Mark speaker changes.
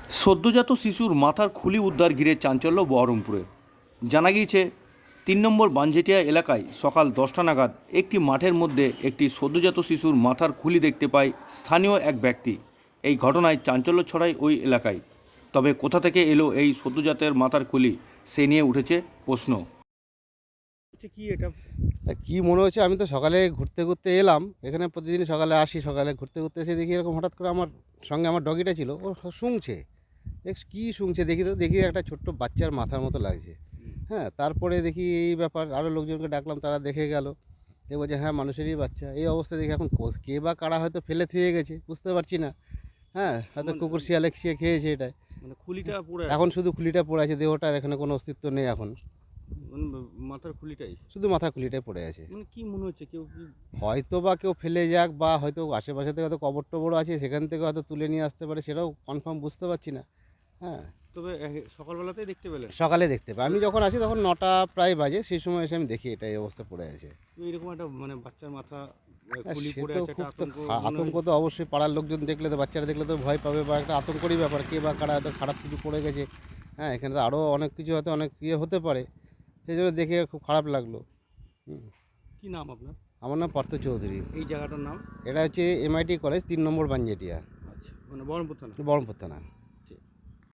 Speaker 1: সদ্যজাত শিশুর মাথার খুলি উদ্ধার ঘিরে চাঞ্চল্য বহরমপুরে। জানা গিয়েছে ৩ নম্বর বানজেটিয়া এলাকায় সকাল 10টা নাগাদ একটি মাঠের মধ্যে একটি সদ্যজাত শিশুর মাথার খুলি দেখতে পায় স্থানীয় এক ব্যক্তি। এই ঘটনায় চাঞ্চল্য ছড়ায় ওই এলাকায়। তবে কোথা থেকে এলো এই সদ্যজাতের মাথার খুলি, সে নিয়ে উঠেছে প্রশ্ন।
Speaker 2: কি এটা?
Speaker 3: কি মনে হচ্ছে, আমি তো সকালে ঘুরতে ঘুরতে এলাম এখানে, প্রতিদিন সকালে আসি, সকালে ঘুরতে ঘুরতে এসে দেখি এরকম হঠাৎ করে আমার সঙ্গে আমার ডগিটা ছিল, ও শুংছে। কী শুংছে দেখি, তো দেখি একটা ছোট্ট বাচ্চার মাথার মতো লাগছে। হ্যাঁ, তারপরে দেখি এই ব্যাপার, আরও লোকজনকে ডাকলাম, তারা দেখে গেল, দেখবো যে হ্যাঁ মানুষেরই বাচ্চা। এই অবস্থা দেখি এখন কে বা কারা হয়তো ফেলে থুয়ে গেছে, বুঝতে পারছি না। হ্যাঁ, হয়তো কুকুর শিয়ালে খেয়েছে এটা।
Speaker 2: মানে খুলিটা পুরো
Speaker 3: এখন শুধু খুলিটা পড়ে আছে, দেহটার এখানে কোনো অস্তিত্ব নেই এখন,
Speaker 2: মানে মাথার খুলিটাই,
Speaker 3: শুধু মাথা খুলিটাই পড়ে আছে।
Speaker 2: মানে কি মনে হচ্ছে কেউ কি?
Speaker 3: হয়তো বা কেউ ফেলে যাক, বা হয়তো আশেপাশে থেকে হয়তো কবর টবর আছে, সেখান থেকে হয়তো তুলে নিয়ে আসতে পারে, সেটাও কনফার্ম বুঝতে পারছি না। হ্যাঁ,
Speaker 2: তবে সকালবেলাতেই দেখতে পেলেন?
Speaker 3: সকালে দেখতে পাই, আমি যখন আসি তখন 9টা প্রায় বাজে, সেই সময় এসে আমি দেখি এটা এই অবস্থা পড়ে আছে।
Speaker 2: তো এরকম একটা মানে বাচ্চার মাথা
Speaker 3: হ্যাঁ,
Speaker 2: খুলি
Speaker 3: সে
Speaker 2: পড়ে
Speaker 3: তো
Speaker 2: আছে, একটা
Speaker 3: খুব তো
Speaker 2: আতঙ্ক মনে
Speaker 3: আতঙ্ক
Speaker 2: হয়।
Speaker 3: তো অবশ্যই, পাড়ার লোকজন দেখলে তো, বাচ্চারা দেখলে তো ভয় পাবে, বা একটা আতঙ্করই ব্যাপার, কে বা কারা হয়তো খারাপ কিছু পড়ে গেছে। হ্যাঁ, এখানে তো আরও অনেক কিছু হয়তো অনেক ইয়ে হতে পারে, সেই জন্য দেখে খুব খারাপ লাগলো।
Speaker 2: কি নাম আপনার?
Speaker 3: আমার নাম পার্থ চৌধুরী।
Speaker 2: এই জায়গাটার নাম?
Speaker 3: এটা হচ্ছে MIT কলেজ, 3 নম্বর বানজেটিয়া,
Speaker 2: আচ্ছা, মানে বহরমপুর থানা।
Speaker 3: বহরমপুর থানা।